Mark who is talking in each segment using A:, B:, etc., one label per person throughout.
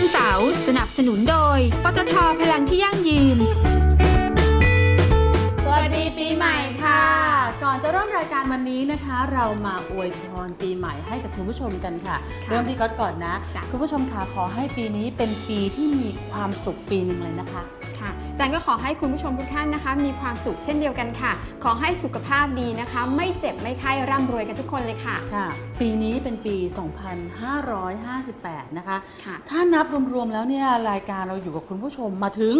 A: วันเสาร์สนับสนุนโดยปตท.พลังที่ยั่งยืน
B: สวัสดีปีใหม่ค่ะ ก่อนจะเริ่มรายการวันนี้นะคะ เรามาอวยพรปีใหม่ให้กับคุณผู้ชมกันค่ะเริ่มที่ก๊อตก่อนนะคุณผู้ชมค่ะขอให้ปีนี้เป็นปีที่มีความสุขปีหนึ่งเลยนะคะ
C: ค่ะจันก็ขอให้คุณผู้ชมทุกท่านนะคะมีความสุขเช่นเดียวกันค่ะขอให้สุขภาพดีนะคะไม่เจ็บไม่ไข้ร่ำรวยกันทุกคนเลยค่ะ
B: ค่ะปีนี้เป็นปี 2558 นะคะถ้านับรวมๆแล้วเนี่ยรายการเราอยู่กับคุณผู้ชมมาถึง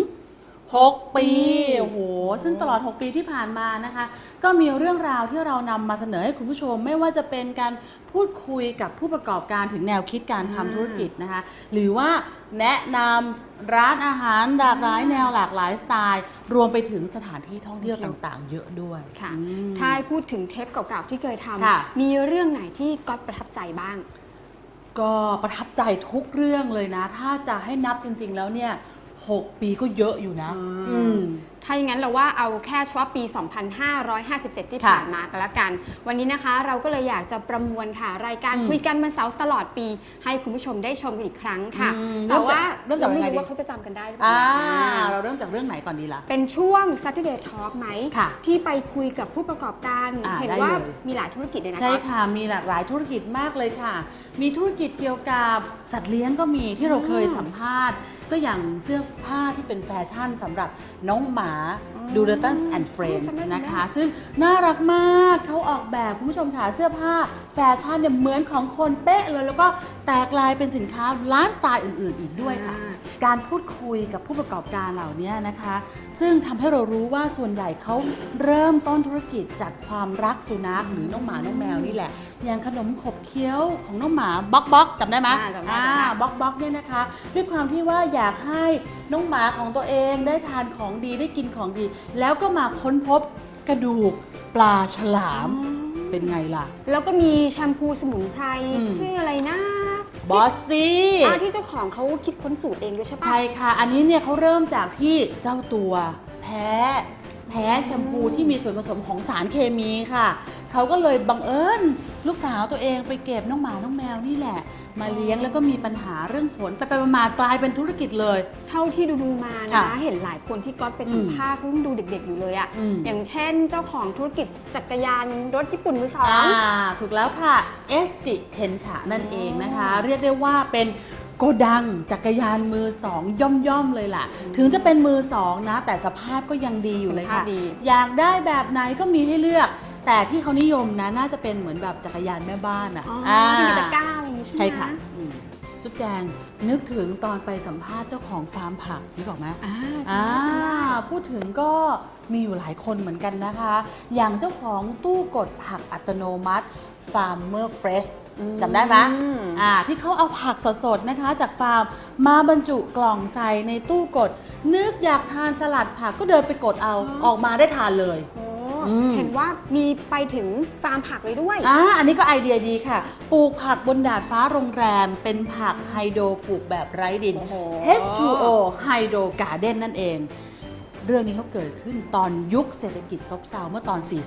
B: 6 ปีโอ้โหซึ่งตลอด6 ปีที่ผ่านมานะคะก็มีเรื่องราวที่เรานำมาเสนอให้คุณผู้ชมไม่ว่าจะเป็นการพูดคุยกับผู้ประกอบการถึงแนวคิดการทำธุรกิจนะคะหรือว่าแนะนำร้านอาหารหลากหลายแนวหลากหลายสไตล์รวมไปถึงสถานที่ท่องเที่ยวต่างๆเยอะด้วย
C: ค่ะถ้าพูดถึงเทปเก่าๆที่เคยทำมีเรื่องไหนที่ก๊อตประทับใจบ้าง
B: ก็ประทับใจทุกเรื่องเลยนะถ้าจะให้นับจริงๆแล้วเนี่ย6 ปีก็เยอะอยู่นะ
C: ถ้าอย่างนั้นเราว่าเอาแค่เฉพาะปี 2557 ที่ผ่านมาก็แล้วกันวันนี้นะคะเราก็เลยอยากจะประมวลค่ะรายการคุยกันวันเสาร์ตลอดปีให้คุณผู้ชมได้ชมกันอีกครั้งค่ะแต่ว่าเราไม่รู้ว่าเขาจะจำกันได้หรือเปล่า
B: เราเริ่มจากเรื่องไหนก่อนดีล่ะ
C: เป็นช่วง Saturday Talk ไหมที่ไปคุยกับผู้ประกอบการเห็นว่ามีหลายธุรกิจเลยนะ
B: ใช่ค่ะมีหลากหลายธุรกิจมากเลยค่ะมีธุรกิจเกี่ยวกับสัตว์เลี้ยงก็มีที่เราเคยสัมภาษณ์ก็อย่างเสื้อผ้าที่เป็นแฟชั่นสำหรับน้องหมาดูเรตันแอนด์เฟรนด์นะคะซึ่งน่ารักมากเขาออกแบบคุณผู้ชมค่ะเสื้อผ้าแฟชั่นเนี่ยเหมือนของคนเป๊ะเลยแล้วก็แตกลายเป็นสินค้าไลฟ์สไตล์อื่นๆอีกด้วยค่ะการพูดคุยกับผู้ประกอบการเหล่านี้นะคะซึ่งทำให้เรารู้ว่าส่วนใหญ่เขาเริ่มต้นธุรกิจจากความรักสุนัขหรือน้องหมาน้องแมวนี่แหละอย่างขนมขบเคี้ยวของน้องหมาบ๊อกบ๊อกจำได้ไหมบ๊อกบ๊อกเนี่ยนะคะด้วยความที่ว่าอยากให้น้องหมาของตัวเองได้ทานของดีได้กินของดีแล้วก็มาค้นพบกระดูกปลาฉลามเป็นไงล่ะ
C: แล้วก็มีแชมพูสมุนไพรชื่ออะไรนะ
B: บอสซี่
C: ที่เจ้าของเขาคิดค้นสูตรเองด้วยใช่ปะ
B: ใช่ค่ะอันนี้เนี่ยเขาเริ่มจากที่เจ้าตัวแพ้แชมพูที่มีส่วนผสมของสารเคมีค่ะเขาก็เลยบังเอิญลูกสาวตัวเองไปเก็บน้องหมาน้องแมวนี่แหละมาเลี้ยงแล้วก็มีปัญหาเรื่องขนไปมากลายเป็นธุรกิจเลย
C: เท่าที่ดูมานะเห็นหลายคนที่ก๊อตไปสัมภาษณ์เขายังดูเด็กๆอยู่เลยอะอย่างเช่นเจ้าของธุรกิจจักรยานรถญี่ปุ่นมือสอง
B: ถูกแล้วค่ะเอสจิเทนชะนั่นเองนะคะเรียกได้ว่าเป็นโกดังจักรยานมือสองย่อมๆเลยล่ะถึงจะเป็นมือสองนะแต่สภาพก็ยังดีอยู่เลยค่ะอยากได้แบบไหนก็มีให้เลือกแต่ที่เขานิยมนะน่าจะเป็นเหมือนแบบจักรยานแม่บ้านอ่ะ
C: ที่มีตะกร้าอะไรอย่างงี้ใช่ไหม
B: ใช่ค่ะจุ๊บแจงนึกถึงตอนไปสัมภาษณ์เจ้าของฟาร์มผักนึกออกไหมพูดถึงก็มีอยู่หลายคนเหมือนกันนะคะอย่างเจ้าของตู้กดผักอัตโนมัติ Farmer Freshจำได้ไหมที่เขาเอาผักสดๆนะคะจากฟาร์มมาบรรจุกล่องใส่ในตู้กดนึกอยากทานสลัดผักก็เดินไปกดเอาออกมาได้ทานเลย
C: เห็นว่ามีไปถึงฟาร์มผักเลยด้วย
B: อันนี้ก็ไอเดียดีค่ะปลูกผักบนดาดฟ้าโรงแรมเป็นผักไฮโดรปลูกแบบไร้ดิน H2O ไฮโดรการ์เด้นนั่นเองเรื่องนี้เขาเกิดขึ้นตอนยุคเศรษฐกิจซบเซาเมื่อตอน 40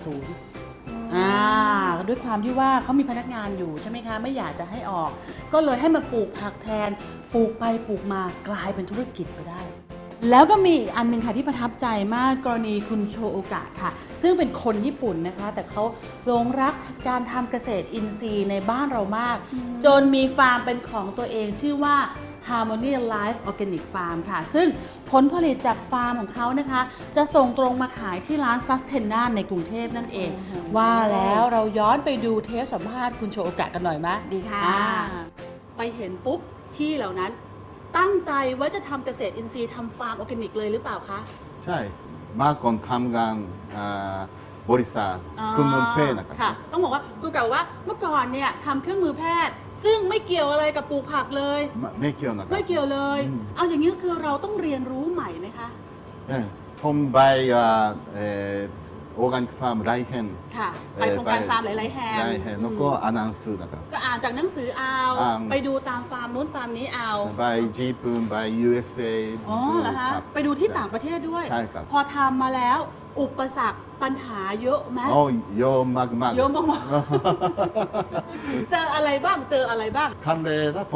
B: ด้วยความที่ว่าเขามีพนักงานอยู่ใช่ไหมคะไม่อยากจะให้ออกก็เลยให้มาปลูกผักแทนปลูกไปปลูกมากลายเป็นธุรกิจไปได้แล้วก็มีอันนึงค่ะที่ประทับใจมากกรณีคุณโชโอกะค่ะซึ่งเป็นคนญี่ปุ่นนะคะแต่เขาหลงรักการทำเกษตรอินทรีย์ในบ้านเรามากจนมีฟาร์มเป็นของตัวเองชื่อว่า Harmony Life Organic Farm ค่ะซึ่งผลผลิตจากฟาร์มของเขานะคะจะส่งตรงมาขายที่ร้าน Sustena ในกรุงเทพนั่นเองว่าแล้วเราย้อนไปดูเทปสัมภาษณ์คุณโชโอกะกันหน่อยไหม
C: ดีค่ะ
B: ไปเห็นปุ๊บที่เหล่านั้นตั้งใจว่าจะทำเกษตรอินทรีย์ทำฟาร์มออร์แกนิกเลยหรือเปล่าคะ
D: ใช่มาก่อนทำงานบริษัทเครื่องมือแพทย์นะครับ
B: ต้องบอกว่าคือเก่าว่าเมื่อก่อนเนี่ยทำเครื่องมือแพทย์ซึ่งไม่เกี่ยวอะไรกับปลูกผักเลย
D: ไม่เกี่ยวนะครับ
B: ไม่เกี่ยวเลยเอาอย่างนี้คือเราต้องเรียนรู้ใหม่ไหมคะ
D: ผมไปโอร์แกนิกฟาร์มไรเฮน
B: ค่ะไปโครงการฟาร์มหลายๆแห่ง
D: แล้วก็อ่านหนังสือนะครับ
B: ก็อ่านจากหนังสือเอาไปดูตามฟาร์มนู้นฟาร์มนี้เอา
D: ไปญี่ปุ่นไป USA
B: อ๋อเหรอคะไปดูที่ต่างประเทศด้วย
D: ใช่ครับ
B: พอทำมาแล้วอุปสรรคปัญหาเยอะไหม
D: เยอะมาก
B: เยอะมากเจออะไรบ้าง
D: ครั้งแรกผม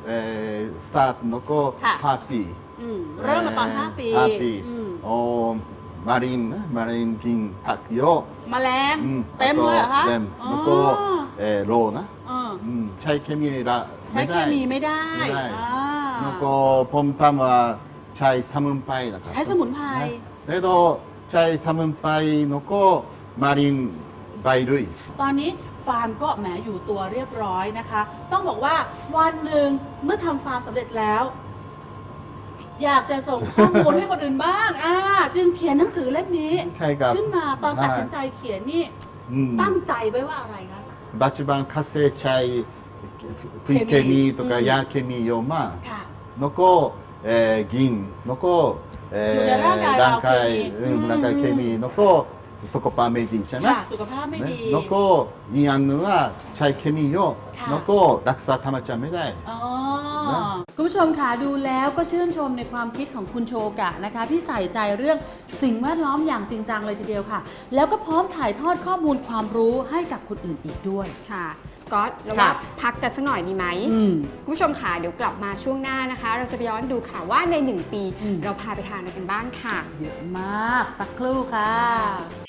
D: スタートの子
B: ค่ะ
D: ハッピー
B: เริ่มมาตอน 5 ปี
D: ハッピー
B: อืม
D: โอ้マリン銀タクヨ
B: แมลง
D: うん
B: เต็มเลยเหรอคะ
D: เต็ม
B: อ๋อ
D: แล้วก็โลนะ
B: เออ
D: ใช้เคมีละ
B: ใช้เคมีไม่ได้
D: ไม่ได้
B: อ่า
D: แล้วก็ผมทำว่าใช้สมุนไพรนะครับ
B: ใช้สมุนไพร
D: นะแต่ก็ใช้สมุนไพรแล้วก็มารินใบลุย
B: ตอนนี้ฟาร์มก็แหมอยู่ตัวเรียบร้อยนะคะ ต้องบอกว่าวันหนึ่งเมื่อทำฟาร์มสำเร็จแล้ว อยากจะส่งข้อมูลให้คนอื่นบ้างจึงเขียนหนังสือเล่มนี้
D: ใช่ครับ
B: ขึ้นมาตอนตัดสินใจเขียนนี่
D: อืม
B: ตั้งใจไว้ว่าอะไรคะ
D: ปัจจุบันเกษตรใช้ปุ๋ยเคมีとかยาเคมีเยอะมาก
B: ค่ะ
D: แล้วก็銀แล้วก็
B: อยู่ในร่างกายเราเคมี
D: ร่างกายเคมีแล้วก็สุขภาพไม่ดีใช่ไหม
B: ค่ะ สุขภาพไม่ดี
D: แล้วก็อีกอันหนึงว่าใช้เคมีเยอะ
B: ค่ะ
D: แล้วก็รักษาธรรมชาติไม่ได้
B: อ๋อ
D: นะ
B: คุณผู้ชมค่ะดูแล้วก็ชื่นชมในความคิดของคุณโชกะนะคะ ที่ใส่ใจเรื่องสิ่งแวดล้อมอย่างจริงจังเลยทีเดียวค่ะ แล้วก็พร้อมถ่ายทอดข้อมูลความรู้ให้กับคนอื่นอีกด้วย
C: ค่ะก๊อตเรา
B: ค่ะ
C: ว่าพักกันสักหน่อยดีไหม
B: อืม
C: คุณผู้ชมค่ะเดี๋ยวกลับมาช่วงหน้านะคะ เราจะไปย้อนดูค่ะว่าใน 1 ปี
B: อืม
C: เราพาไปทานอะไรกันบ้างค่ะ
B: เยอะมากสักครู่ค่ะ